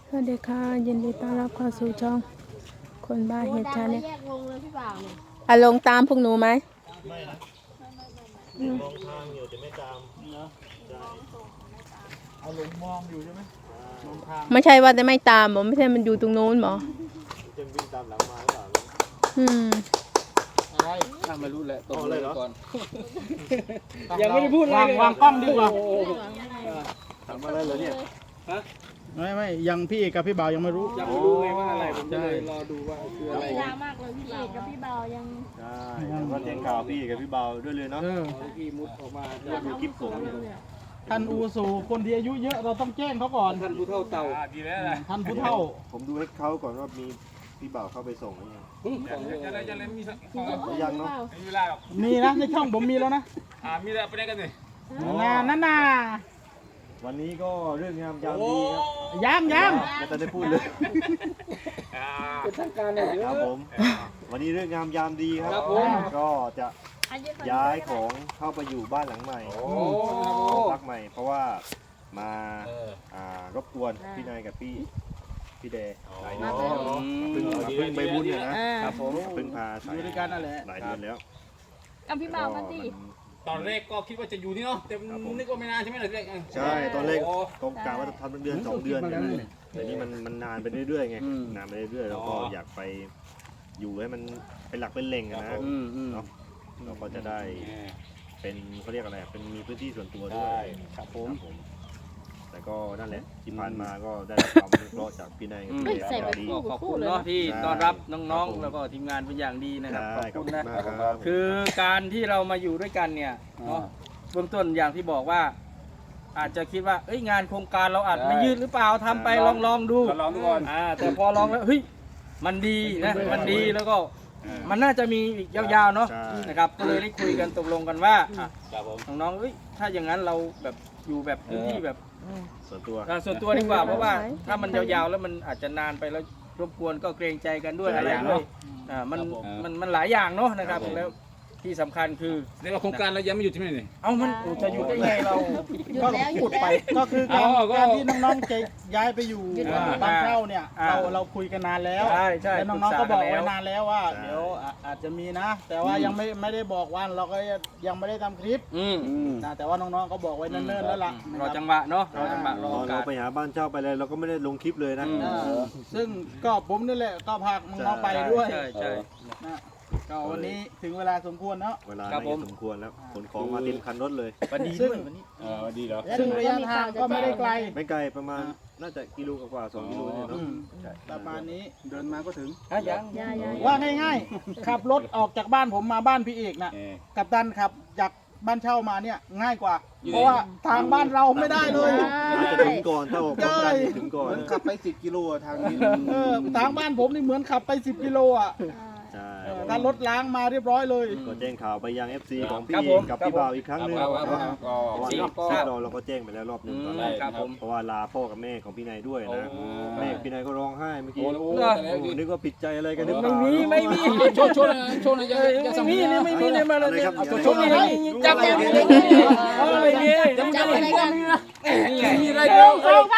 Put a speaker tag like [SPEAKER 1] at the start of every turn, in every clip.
[SPEAKER 1] สวัสดีค่ะยินดีต้อนรับเข้าสู่ช่องคนบ้าเห็ดชาแนล
[SPEAKER 2] แยกวงเลยพี่บ่าวเนี่ย
[SPEAKER 1] อ่ะลงตามพวกหนูไหม
[SPEAKER 3] ไม่นะมองทางอยู่แต่ไม่ตามเนาะใช่
[SPEAKER 4] เอาหลงมองอยู่ใช่ไหมมองทาง
[SPEAKER 1] ไม่ใช่ว่าจะไม่ตามหมอไม่ใช่มันอยู่ตรงโน้นหมอ
[SPEAKER 3] จะวิ่งตามหลังมาหรือเปล่า
[SPEAKER 1] อืม
[SPEAKER 4] อะไร
[SPEAKER 5] ถ้าไม่รู้แหละตก
[SPEAKER 3] เอาเลยเหรอ
[SPEAKER 5] ก่อน
[SPEAKER 4] ยังไม่ได้พูดอะไรวางกล้องดีกว่า
[SPEAKER 3] ทำอะไรเหรอเนี่ย
[SPEAKER 4] ไม่ยังพี่เอกกับพี่บ่าวยังไม่รู้
[SPEAKER 5] ยังไม่รู้ไงว่าอะไรผมจะเลยรอดูว่าคืออะไร
[SPEAKER 2] ยามากเลยพี่เอกกับพี่บ่าวยัง
[SPEAKER 3] ใช่แล้วก็แจ้งข่าวพี่กับพี่เบาด้วยเลยเนาะ
[SPEAKER 4] เออ
[SPEAKER 5] ที่มุดออกมา
[SPEAKER 3] เราดูคลิปส่ง
[SPEAKER 4] ท่านอูสูคนที่อายุเยอะเราต้องแจ้งเขาก่อน
[SPEAKER 5] ท่านผู้เท่าเต่าดีแล้วนะ
[SPEAKER 4] ท่านผู้เฒ่า
[SPEAKER 3] ผมดูให้เขาก่อนว่ามีพี่เบาเข้าไปส่งหรือยัง
[SPEAKER 5] จะอะไรมี
[SPEAKER 3] ยังเนาะ
[SPEAKER 5] มีเวลาหรอก
[SPEAKER 4] มีนะในช่องผมมีแล้วนะ
[SPEAKER 5] มีอะไรไปได้กันเนี่ย
[SPEAKER 4] นั่นน่ะ
[SPEAKER 3] วันนี้ก็เรื่องงามยามดีครับ
[SPEAKER 4] ยัง
[SPEAKER 3] ไม่ทันได้พูดเลย
[SPEAKER 5] เป็นทางการเลยเดี๋ย
[SPEAKER 3] คว รับผมวันนี้เรื่องงามยามดีครับ
[SPEAKER 5] ครับผม
[SPEAKER 3] ก็จะย้ายของเข้าไปอยู่บ้านหลังใหม่
[SPEAKER 5] โอ้
[SPEAKER 3] พักใหม่ เพราะว่ามารบกวนพี่นายกับพี่เดย์หลายเดือนแล้วเพิ่งไปบุญเนี่ยนะครับผมเพิ่งพา
[SPEAKER 4] อยู่ด้วยกันนั่นแหละ
[SPEAKER 3] หลายเดือนแล้ว
[SPEAKER 2] กับพี่บ่าวกันดิ
[SPEAKER 5] ตอนแรกก็คิดว่าจะอยู่นี่เนาะแต่นึกว่าไม่นานใช่ไหมล่ะแรก
[SPEAKER 3] ใช่ตอนแรกต้องกะว่าจะทำเป็นเดือน2 เดือนเนี่ยแต่นี่มันนานไปเรื่อยๆไงนานไปเรื่อยๆแล้วก็อยากไปอยู่ให้มันเป็นหลักเป็นแหล่งอะนะเนาะเราก็จะได้เป็นเขาเรียกอะไรเป็นมีพื้นที่ส่วนตัวด้วยครับผมแต่ก็นั่นแหละที่ผ่านมาก็ได้รับความอนุเคราะห์จากพี่นายกับพี่เดย์ก็ดี
[SPEAKER 5] ขอบคุณเนาะที่ต้อนรับน้องๆแล้วก็ทีมงานเป็นอย่างดีนะครับ
[SPEAKER 3] ใช่
[SPEAKER 5] ขอบคุณ
[SPEAKER 3] ขอ
[SPEAKER 5] นะ
[SPEAKER 3] บคุณมากครับ
[SPEAKER 5] คือการที่เรามาอยู่ด้วยกันเนี่ยเนาะเบื้องต้นอย่างที่บอกว่า อาจจะคิดว่าเอ้ยงานโครงการเราอาจไม่ยืดหรือเปล่าทำไปลองดูลองดูก่อนแต่พอลองแล้วเฮ้ยมันดีนะมันดีแล้วก็มันน่าจะมีอีกยาวๆเนาะนะครับก็เลยได้คุยกันตกลงกันว่าน้องๆเอ้ยถ้าอย่างนั้นเราแบบอยู่แบบพื้นที่แบบ
[SPEAKER 3] ส่วนตัว
[SPEAKER 5] ส่วนตัวดีกว่าเพราะว่าถ้ามันยาวๆแล้วมันอาจจะนานไปแล้วรบกวนก็เกรงใจกันด้วยอะไรด้วยมันหลายอย่างเนาะนะครับแล้วที่สำคัญคือ
[SPEAKER 6] เรียกว่าโครงการเรายังไม่หยุดใช่ไหมนี่
[SPEAKER 5] เอามันจะอยู่ได้ไงเรา
[SPEAKER 2] หยุดแล้วหยุดแล้ว
[SPEAKER 4] ก็คือการที่น้องๆจะย้ายไปอยู่บ้านเช่าเนี่ยเราคุยกันนานแล้ว
[SPEAKER 5] ใช่
[SPEAKER 4] แล้วน้องๆก็บอกไว้นานแล้วว่าเดี๋ยวอาจจะมีนะ แต่ว่ายังไม่ได้บอกวันเราก็ยังไม่ได้ทำคลิปนะแต่ว่าน้องๆก็บอกไว้เนิ่นๆแล้วล่ะ
[SPEAKER 5] รอจังหวะเนาะรอจังหวะรอ
[SPEAKER 3] ต
[SPEAKER 5] โอ
[SPEAKER 3] อน
[SPEAKER 5] กา
[SPEAKER 3] เรา
[SPEAKER 5] ส
[SPEAKER 3] ไปหาบ้านเช่าไปเลยเราก็ไม่ได้ลงคลิปเลยนะ
[SPEAKER 4] ซึ่งก็ผมนี่แหละก็พาน้องๆไปด้วย
[SPEAKER 5] ใช่
[SPEAKER 4] นะก็วันนี้ถึงเวลาสมควรเนาะ
[SPEAKER 3] เวลาน่าจะสมควรแล้วขนของมาเต็มคันรถเลย
[SPEAKER 5] วันดีด้วยวันนี้
[SPEAKER 6] ดีเหรอ
[SPEAKER 4] ซึ่งระยะทางก็ไม่ได้ไกล
[SPEAKER 3] ไม่ไกลประมาณน่าจะกิโลกว่า2 กิโลเนี่ยเนาะ
[SPEAKER 4] ประมาณนี้เดินมาก็ถึง
[SPEAKER 5] ยัง
[SPEAKER 4] ว่าง่ายๆขับรถออกจากบ้านผมมาบ้านพี่เอกน่ะกับตันขับจากบ้านเช่ามาเนี่ยง่ายกว่า เพราะว่าทางบ้านเราไม่ได้เลย
[SPEAKER 3] น่าจะถึงก่อนถ้าออกพร้อมกันถึงก่อน
[SPEAKER 4] ขับไป10 กิโลทางนี้ทางบ้านผมนี่เหมือนขับไป10 กิโลอ่ะ
[SPEAKER 3] ใช่
[SPEAKER 4] ถ้ารถล้างมาเรียบร้อยเลย
[SPEAKER 3] ก็แจ้งข่าวไปยัง FC ของพี่
[SPEAKER 5] ครับ
[SPEAKER 3] เอ
[SPEAKER 5] ผ
[SPEAKER 3] ก
[SPEAKER 5] ม
[SPEAKER 3] กับพี่บ่าวอีกครั้งหนึง
[SPEAKER 6] ครับ
[SPEAKER 3] เพราะว่า
[SPEAKER 6] ก็
[SPEAKER 3] เราก็แจ้งไปแล้วรอบหนึงตอนแรก
[SPEAKER 5] ครับผม
[SPEAKER 3] เพราะว่าลาพ่อกับแม่ของพี่นายด้วยนะแม่พี่นายก็ร้องไห้เมื่อกี้
[SPEAKER 6] โอ้
[SPEAKER 3] นึกว่าผิดใจอะไรกันหรือเปล่า
[SPEAKER 5] ไม่มี
[SPEAKER 6] โชว์นะจะส
[SPEAKER 5] ไม่มีเนี่ยไม่มีเนี่ยมาเลยเนี่ย
[SPEAKER 3] ครับ
[SPEAKER 5] ชนอะไรจับอะไรเนี่ยอะไรเนี่ย
[SPEAKER 2] จับอะไรกัน
[SPEAKER 6] มีอะไรเดียว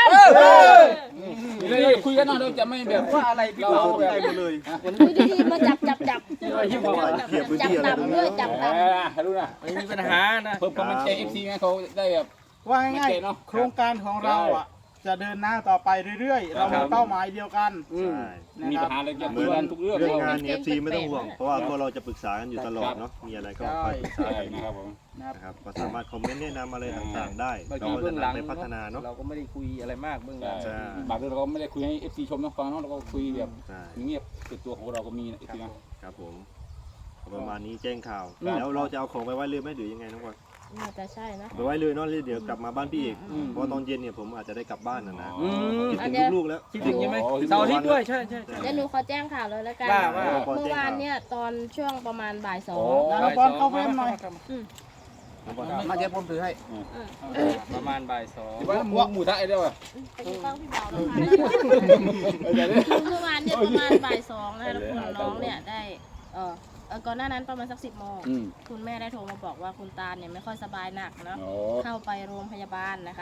[SPEAKER 6] มีอะไรคุยกันหน่อยเราจะไม่แบบ
[SPEAKER 5] ว่าอะไรพี่
[SPEAKER 3] เรา
[SPEAKER 5] บ่าว
[SPEAKER 3] สนใจหมดเลย
[SPEAKER 2] ดูดีๆมาจับ
[SPEAKER 3] เขียบพื้นที่อะไร
[SPEAKER 2] จับต่ำด้วยจับต่ำ
[SPEAKER 6] รู้นะ
[SPEAKER 5] ไม่มีปัญหานะ
[SPEAKER 6] เพิ่มความมั่นใจ FC ไงเขาได้แบบ
[SPEAKER 4] ว่าง่ายๆโครงการของเราอ่ะจะเดินหน้าต่อไปเรื่อยๆ เรามีเป้าหมายเดียวกัน
[SPEAKER 3] ใช่
[SPEAKER 6] มี
[SPEAKER 4] นะค
[SPEAKER 6] ปั
[SPEAKER 4] รับ
[SPEAKER 6] ญหาอะไรจะ
[SPEAKER 3] เห
[SPEAKER 6] คุ
[SPEAKER 3] มื
[SPEAKER 6] ย
[SPEAKER 3] อน
[SPEAKER 6] กันทุกเรื่อง
[SPEAKER 3] เรื่องงานเนี่ย FC ไม่ต้องห่วง เพราะว่าพวกเราจะปรึกษากันอยู่ตลอดเนาะมีอะไรก็คอยปรึกษา
[SPEAKER 6] ใช่
[SPEAKER 3] กัน
[SPEAKER 6] นะครับผม
[SPEAKER 3] นะครับก็สามารถคอมเมนต์แนะนำอะไรต่างๆได้
[SPEAKER 5] บาง
[SPEAKER 3] เรา
[SPEAKER 5] ที
[SPEAKER 3] ก็
[SPEAKER 5] เบื้
[SPEAKER 3] จะ
[SPEAKER 5] องหลัง
[SPEAKER 3] นำไปพัฒนาเนาะ
[SPEAKER 5] เราก็ไม่ได้คุยอะไรมากเบื้องหลัง
[SPEAKER 3] ใช่
[SPEAKER 6] บางเรื่องเราก็ไม่ได้คุยให้ FC ชมนะฟังเนาะเราก็คุยแบบ
[SPEAKER 3] ใช่
[SPEAKER 6] เงียบติดตัวของเราก็มีนะ FC นะครับ
[SPEAKER 3] ผมประมาณนี้แจ้งข่าวแล้วเราจะเอาของไปไว้เลยไหมหรือยังไงน้องบอล
[SPEAKER 2] น่าจะใช่นะ
[SPEAKER 3] ไปไว้เลยเนาะแล้วเดี๋ยวกลับมาบ้านพี่อีกเพราะตอนเย็นเนี่ยผมอาจจะได้กลับบ้านนะคิดถึงลูกๆแล้ว
[SPEAKER 5] คิดถึงใช่ไหมเสาร์อาทิตย์ด้วยใช่
[SPEAKER 2] เดี๋ยวหนูขอแจ้งข่าวเลยแล้วกัน
[SPEAKER 5] ว่า
[SPEAKER 2] เมื่อวานเนี่ยตอนช่วงประมาณบ่ายสอง
[SPEAKER 4] แล้วบอลเข้าเฟรมหน่อย
[SPEAKER 6] มาเดี๋ยวผมถือให้
[SPEAKER 5] ประมาณบ่ายสอง
[SPEAKER 6] ที่ว่าหมูทะไอ้เดียวอ่ะ
[SPEAKER 2] ไปกินข้าวพี่บ่าวนะคะเมื่อวานเนี่ยประมาณบ่ายสองนะคะแล้วคุณน้องเนี่ยได้ก่อนหน้านั้นประมาณสัก10 โมงคุณแม่ได้โทรมาบอกว่าคุณตาเนี่ยไม่ค่อยสบายหนักเนาะเข้าไปโรงพยาบาลนะคะ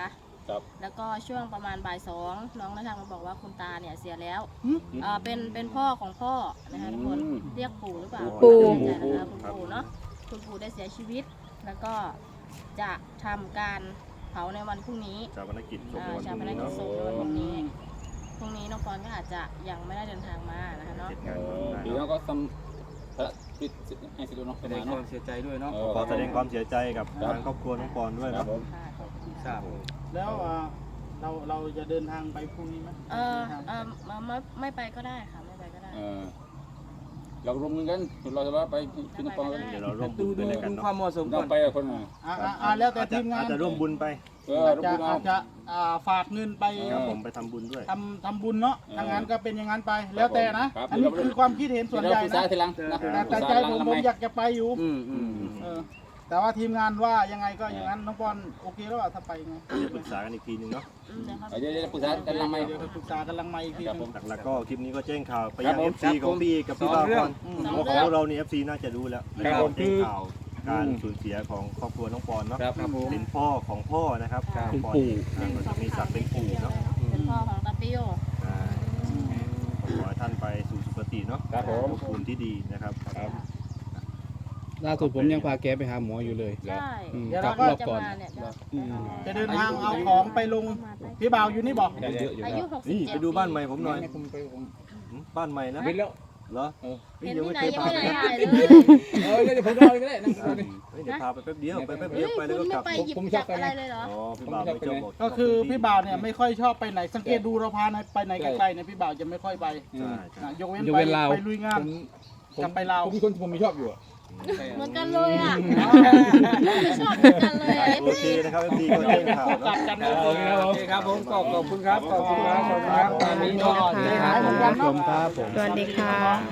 [SPEAKER 6] ครับ
[SPEAKER 2] แล้วก็ช่วงประมาณบ่ายสองน้องได้ทางมาบอกว่าคุณตาเนี่ยเสียแล้วเป็นพ่อของพ่อนะคะทุกคนเรียกปู่หรือเปล่า
[SPEAKER 1] ปู่
[SPEAKER 2] ไม่แน่ใจนะคะคุณปู่เนาะคุณปู่ได้เสียชีวิต แล้วก็จะทำการเผาในวันพรุ่งนี้
[SPEAKER 3] ชาปนกิจศพในวัน
[SPEAKER 2] ชา
[SPEAKER 3] พ
[SPEAKER 2] ป
[SPEAKER 3] รุ่ง
[SPEAKER 2] น
[SPEAKER 3] นี้
[SPEAKER 2] กิจ
[SPEAKER 3] เนาะ
[SPEAKER 2] ศพในวันพรุ่งนี้พรุ่งนี้น้องปอนก็อาจจะยังไม่ได้เดินทางมานะคะเนาะ
[SPEAKER 3] เสร็จงานก่อนได้
[SPEAKER 6] เดี๋ยว
[SPEAKER 3] เนาะ
[SPEAKER 6] ก็ทำปิดให้สิดูเนาะ
[SPEAKER 5] แส
[SPEAKER 6] ประ
[SPEAKER 5] ด
[SPEAKER 6] มาง ณ
[SPEAKER 5] ควา
[SPEAKER 6] เนาะ
[SPEAKER 5] มเสียใจด้วยเนาะ
[SPEAKER 3] ขอแสดงความเสียใจกับทางครอบครัวน้องปอนด้วย
[SPEAKER 6] ครั
[SPEAKER 3] เนาะ
[SPEAKER 6] บผม
[SPEAKER 2] ค่ะขอบคุณ
[SPEAKER 5] ทราบ
[SPEAKER 4] แล้วเราจะเดินทางไปพรุ่งนี้ไหม
[SPEAKER 2] ไม่ไปก็ได้ค่ะไม่ไปก็ได้
[SPEAKER 6] เรารวมเงินกันเราจะว่าไปที่นครกัน
[SPEAKER 3] เดี๋ยวเราร่วมบุ
[SPEAKER 5] ดู
[SPEAKER 3] ญไปด้วยกัน
[SPEAKER 5] ดู
[SPEAKER 3] เนาะ
[SPEAKER 5] ความเหมาะสม
[SPEAKER 6] เรา
[SPEAKER 5] ก่อน
[SPEAKER 6] ไปกับคนน่ะ
[SPEAKER 4] แล้วแต่ทีมงาน
[SPEAKER 3] อาจจะร่วมบุญไป
[SPEAKER 4] อาจ
[SPEAKER 6] รวม
[SPEAKER 4] จะ
[SPEAKER 6] บุญเอา
[SPEAKER 4] อาจจะฝากเงินไป
[SPEAKER 3] ครับผมไปทำบุญด้วย
[SPEAKER 4] ทำบุญเนาะทางนั้นก็เป็นอย่างนั้นไป แล้วแต่นะ อันนี้คือความคิดเห็นส่วน
[SPEAKER 6] เดี๋ยว
[SPEAKER 4] ใหญ่
[SPEAKER 6] ปรึกษา
[SPEAKER 4] นะ
[SPEAKER 6] ทีหลังนะ
[SPEAKER 4] แต่ใจผมอยากจะไปอยู่
[SPEAKER 5] อืม
[SPEAKER 4] แต่ว่าทีมงานว่ายังไงก็อย่างนั้นน้องบอลโอเคแล้วถ้าไปไง
[SPEAKER 3] เดี๋ยวปรึกษากันอีกทีนึงเนาะ
[SPEAKER 6] เดี๋ยวปรึกษากันหลังไหม
[SPEAKER 4] เดี๋ยวปรึกษากันลังไม่อีกที
[SPEAKER 6] ครับ
[SPEAKER 4] นึ
[SPEAKER 6] ผ
[SPEAKER 4] ง
[SPEAKER 6] ม
[SPEAKER 3] หลักๆก็คลิปนี้ก็แจ้งข่าวไป
[SPEAKER 6] ครั
[SPEAKER 3] ยั
[SPEAKER 6] บ
[SPEAKER 3] ง
[SPEAKER 6] ผม
[SPEAKER 3] FC ของพี่กับพี่บ่าวก่อนของเรานี่ FC น่าจะรู้แล้ว
[SPEAKER 6] ครับผม
[SPEAKER 3] แจ้งข่าวการสูญเสียของครอบครัวน้องปอนเนาะ
[SPEAKER 6] ครับผม
[SPEAKER 3] เป็นพ่อของพ่อนะครับ
[SPEAKER 2] ครับ
[SPEAKER 3] น้องปอนก็จะมีศักดิ์เป็นปู่เนาะ
[SPEAKER 2] เป็นพ่อของตาปิโย
[SPEAKER 3] ใช่ขอให้ท่านไปสู่สุคติเนาะ
[SPEAKER 6] ครับผม
[SPEAKER 3] ภพภูมิที่ดีนะครับ
[SPEAKER 7] ล่าสุดผมยังพาแกไปหาหมออยู่เลย
[SPEAKER 2] ใช่
[SPEAKER 4] เดี๋ยว
[SPEAKER 7] กลั
[SPEAKER 4] เรา
[SPEAKER 7] บ
[SPEAKER 4] ก็
[SPEAKER 7] รอบ
[SPEAKER 2] จะ
[SPEAKER 7] ก่อน
[SPEAKER 2] มาเนี่ย
[SPEAKER 4] จะเดินทางเอาของไปลงพี่บ่าวอยู่นี่บอก
[SPEAKER 7] เยอะอยู่
[SPEAKER 2] อายุ
[SPEAKER 7] ครับ
[SPEAKER 3] นี่
[SPEAKER 2] 67
[SPEAKER 3] ไปดูบ้านใหม่ผมหน่อย
[SPEAKER 6] ผมไปผม
[SPEAKER 3] บ้านใหม่นะ
[SPEAKER 7] เห็นแล้ว
[SPEAKER 3] เหรอ
[SPEAKER 2] เห็น
[SPEAKER 3] ยัง
[SPEAKER 2] ที่
[SPEAKER 3] ไม่
[SPEAKER 2] ไหน
[SPEAKER 3] เคย
[SPEAKER 2] ยัง
[SPEAKER 3] พา
[SPEAKER 2] ไม่
[SPEAKER 3] ไป
[SPEAKER 2] ได้
[SPEAKER 3] นะ
[SPEAKER 2] ถ่ายเลย
[SPEAKER 7] เดี๋ยวผมรอก็ได้นะ
[SPEAKER 3] เดี๋ยวพาไปแป๊บเดียวไปแป๊บ
[SPEAKER 2] เฮ้
[SPEAKER 3] เดีย
[SPEAKER 2] ยว
[SPEAKER 3] ไปแล้ว
[SPEAKER 2] คุ
[SPEAKER 3] ก็
[SPEAKER 2] ณ
[SPEAKER 3] กลับ
[SPEAKER 2] ไม่ไปหยิบจับอะไรเลยเหรอ
[SPEAKER 3] อ๋อพี่บ่าวไม่ชอบบอก
[SPEAKER 4] ก็คือพี่บ่าวเนี่ยไม่ค่อยชอบไปไหนสังเกตดูเราพาไปไหนไกลๆเนี่ยพี่บ่าวจะไม่ค่อยไป
[SPEAKER 3] ใช่ใช่
[SPEAKER 4] ยกเว้น
[SPEAKER 7] ยก
[SPEAKER 4] ไป
[SPEAKER 7] เว้นลาว
[SPEAKER 4] ไปลุยงาน กลับไปลาว
[SPEAKER 7] ผมมีคนผมไม่ชอบอยู่อะ
[SPEAKER 2] เหมือนกันเลยอ่ะไม่ชอบเหมือนกันเลยอ่ะ
[SPEAKER 3] โอเคนะครับ FD ก็แจ้งข่าว
[SPEAKER 4] กลั
[SPEAKER 3] เนาะ
[SPEAKER 4] บกัน
[SPEAKER 5] โอเคครับผมขอบคุณครับขอบคุณครับตอนนี้ก็
[SPEAKER 1] ขอบคุณค่ะ
[SPEAKER 5] ได้ครับ
[SPEAKER 4] เหมือนกันเนาะ
[SPEAKER 7] ครับผม
[SPEAKER 1] สวัสดีค่ะ